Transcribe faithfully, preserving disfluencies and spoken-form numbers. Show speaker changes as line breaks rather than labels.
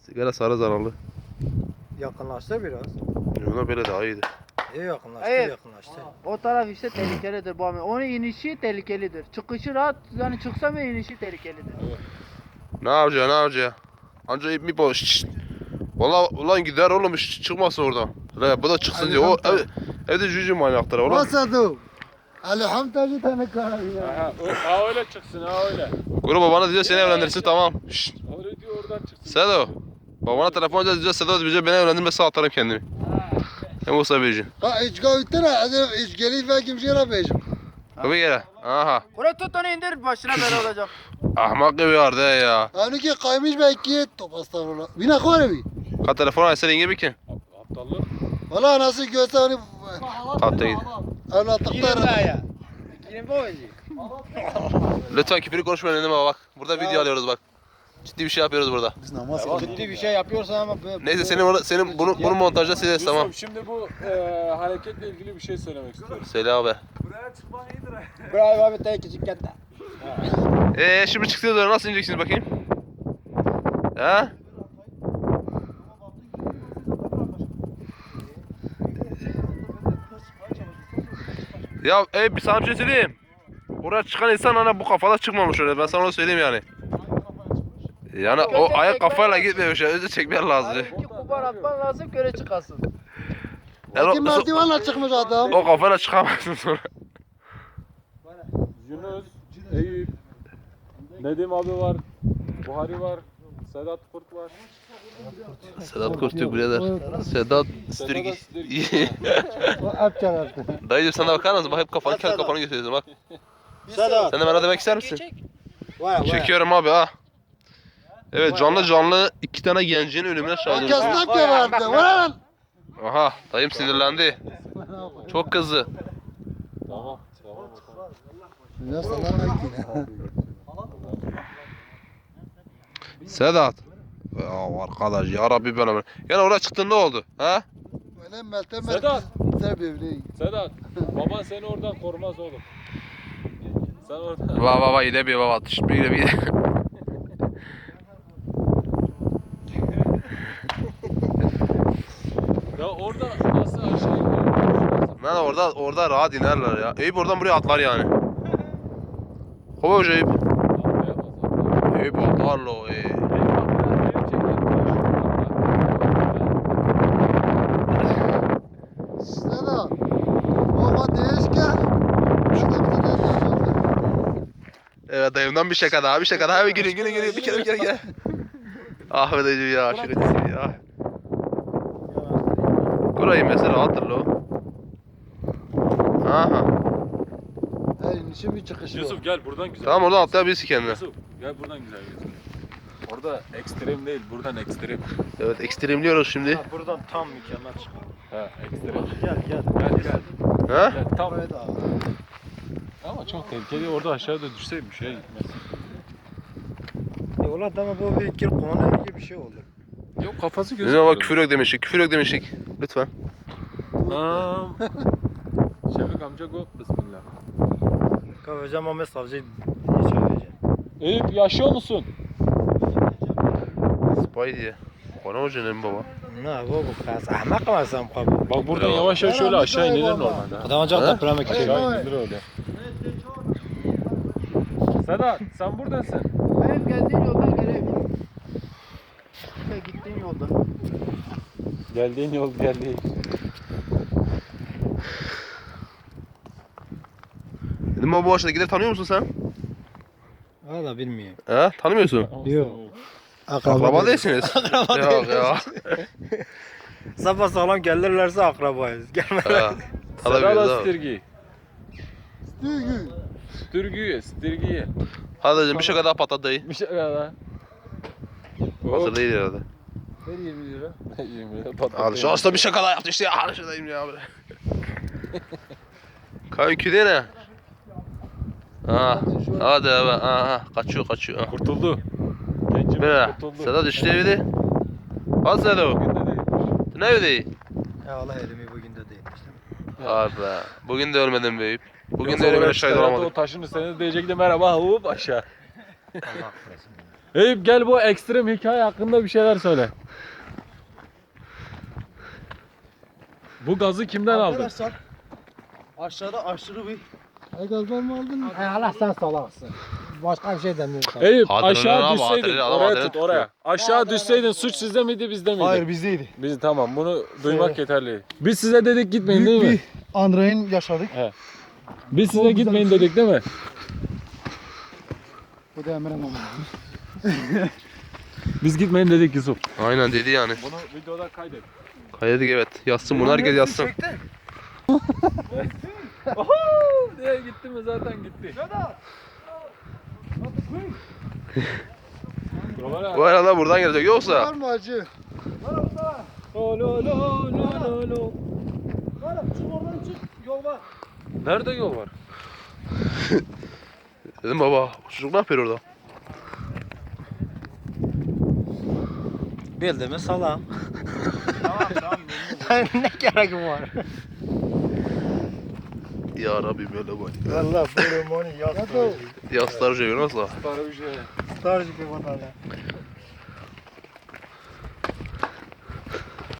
Sigara sarı zararlı.
Yakınlaştı biraz.
Ona böyle daha iyiydi.
İyi yakınlaştı,
Hayır.
yakınlaştı.
O taraf işte tehlikelidir bu abi. Onun inişi tehlikelidir. Çıkışı rahat, yani çıksa ve inişi tehlikelidir.
Ne yapacaksın, ne yapacaksın? Anca ip mi boş? Şşt. Valla ulan gider oğlum, hiç çıkmasın oradan. La bu da çıksın diyor. O ev, evde cücü manyaktır oğlum.
Vasadu. Elhamdülillah tane karabine.
Aha, o- ha öyle çıksın ha öyle.
Kuru babana diyor seni evlendirsin, tamam. Şşt.
Öyle diyor oradan çıksın.
Sedo. Babana telefon edeceğiz diyeceğiz. Sedo diyecek beni evlendirmezse atarım kendimi. Hem olsa beyci.
Ha hiç gavittere, hadi hiç gelip ve kimseye beyim.
Kapı gele. Aha.
Buraya tut onu indir, başına bela olacak.
Ahmak gibi vardı ya.
Hani ki kaymış belki top astagfirullah. Bina kore bir.
Ka telefon açsa yenge bir ki.
Aptallık.
Valla nasıl görse hani
Kalktı gidi.
evlatlıklar.
ya. Girin bu oyuncu.
Lütfen küfürü konuşmayın önüme bak. Burada video alıyoruz bak. Ciddi bir şey yapıyoruz burada.
Biz namaz kılıyoruz.
Ciddi bir şey yapıyorsan ama böyle...
Neyse senin orada, senin bunu bunu montajda sileriz,
Yusuf,
tamam.
şimdi bu e, hareketle ilgili bir şey söylemek istiyorum.
Söyle abi.
Bravo abi tek küçük kente.
Eee şimdi çıktığınız sonra nasıl ineceksiniz bakayım? He? Ya ey bir sana bir şey söyleyeyim. Oraya çıkan insan hani bu kafada çıkmamış öyle, ben sana onu söyleyeyim yani. Yani o ayak kafayla gitmiyor şey, önce çekmen lazım.
Abi iki kubar atman lazım, göre çıkasın.
Yani
Kim
o,
merdivenle çıkmış adam.
o kafayla çıkamazsın sonra.
Yunus, Eyüp, Nedim abi var, Buhari var, Sedat Kurt var.
Sedat Kurtük birader. Sedat Stürgi.
O hep çarardı.
Dayıcım sen de bakar mısın? Bak hep kafanı kendi kafanı gösteriyorsun bak.
Sedat.
Sen de bana demek ister misin?
Var var.
Çekiyorum abi ha. Evet, canlı canlı iki tane gencin ölümüne şahit olduk.
Arkasından ki vardı. Var
Aha, dayım sinirlendi. Çok kızdı.
Tamam, tamam. tamam.
Ya sana bakayım.
Sedat. Ya arkadaş ya Rabbi ben ömür. Yani oraya çıktın ne oldu? Ha?
Öyle Meltem
Sedat.
Ser bevreyi.
Sedat, baban seni oradan korumaz oğlum. Sen oradan...
Va va va yine bir baba. Bir bir.
Ya orada nasıl aşağı iniyor?
Lan orada orada rahat inerler ya. Eyüp oradan buraya atlar yani. Kova hoca Eyüp. Eyüp atlar lo. Ey.
Sedat. Baba değişken.
Evet dayımdan bir şaka daha, bir şaka daha. Bir gülün gülün gülün. Bir kere bir kere gel. Ah be dayıcım ya, şakacısın ya. Burayı mesela hatırla o. Aha.
Her inişi bir çıkışı var.
Yusuf gel buradan güzel.
Tamam oradan atlayabilirsin kendine.
Yusuf gel buradan güzel gözüküyor. Orada ekstrem değil, buradan ekstrem.
Evet, ekstremliyoruz şimdi.
Buradan tam mükemmel çıkıyor.
Ha, ekstrem.
Gel gel.
Gel gel.
Ha?
Gel tam.
Evet abi.
Ama çok tehlikeli. Orada aşağıda düşseymiş ya gitmez.
E ulan tamam bu bir kere konu gibi bir şey oldu.
Yok kafası
Ne
gözüküyor.
bak küfür yok demiştik, küfür yok demiştik. Lütfen.
Tamam. Şefik amca go. Bismillah.
Kavacağım ama savcı hiç öveceğim.
Eyüp yaşıyor musun?
Spy diye. Kona hocanın baba.
Ne bu bu kız ahmak mı sen bu?
Bak buradan yavaş yavaş şöyle aşağı inilir normalde.
Adam ancak
Ha?
depreme gidecek.
Aşağı inilir öyle. Sedat sen buradasın.
Benim geldiğin yoldan geleyim. İşte gittiğin yoldan.
Geldiğin yol geldi.
Dedim ama bu aşağıda gider tanıyor musun sen?
Valla bilmiyorum.
He? Tanımıyorsun.
Yok.
Akraba değilsiniz. Yok ya.
Sabah sağlam gelirlerse akrabayız. Gelme.
Ha.
Sedat
Tanımıyoruz abi.
Stirgi. Stirgi. Stirgi.
Hadi dayıcım bir şaka daha patlat dayı.
Bir şey daha.
Hazır değil herhalde.
Ver yirmi lira. yirmi lira patladı.
Hadi şu hasta bir şaka daha yaptı işte ya. Hadi şuradayım ya. Kanki de ne? Ha, hadi abi. Aha, kaçıyor kaçıyor. Ha.
Kurtuldu. Gencimiz
Böyle.
kurtuldu.
Sedat işte evde. Hadi Sedat.
Bugün de değilmiş.
Ne evde?
Ya Allah elimi bugün de değilmiş.
Abi bugün de ölmedim beyip. Bugün
Yoksa
de ölümüne
oraya
şahit
Sedat
olamadık.
O taşın üstüne diyecekti merhaba hop aşağı.
Allah affetsin.
Eyüp gel bu ekstrem hikaye hakkında bir şeyler söyle. Bu gazı kimden aldın?
Arkadaşlar aşağıda aşırı bir
Ay gazdan mı aldın?
Ay Allah sen salaksın. Başka bir şey demiyorum sana.
Eyüp
Adrenalin
aşağı
abi,
düşseydin
adrenalin, adam
oraya
adrenalin
tut oraya. Aşağı düşseydin suç sizde miydi bizde miydi?
Hayır bizdeydi.
Biz tamam bunu duymak yeterli. Biz size dedik gitmeyin değil
Büyük
mi?
bir Andrey'in yaşadık.
Biz size gitmeyin dedik değil mi?
Bu da Emre'nin olmalı.
Biz gitmeyin dedik Yusuf.
Aynen dedi yani.
Bunu videoda kaydet.
Kaydedik evet. Yazsın bunu herkes yazsın.
diye gitti mi zaten gitti.
Bu arada buradan gelecek
Var
yoksa.
mı acı?
Lo lo lo lo lo.
Çık oradan çık. Yol var.
Nerede yol var?
Dedim baba bu çocuk ne yapıyor orada?
Bildi mi salam. Tamam tamam. Ne gerek var?
Ya Rabbim öyle bak.
Valla böyle moni yaz.
Yaslar şey nasıl?
Star gibi vatandaş.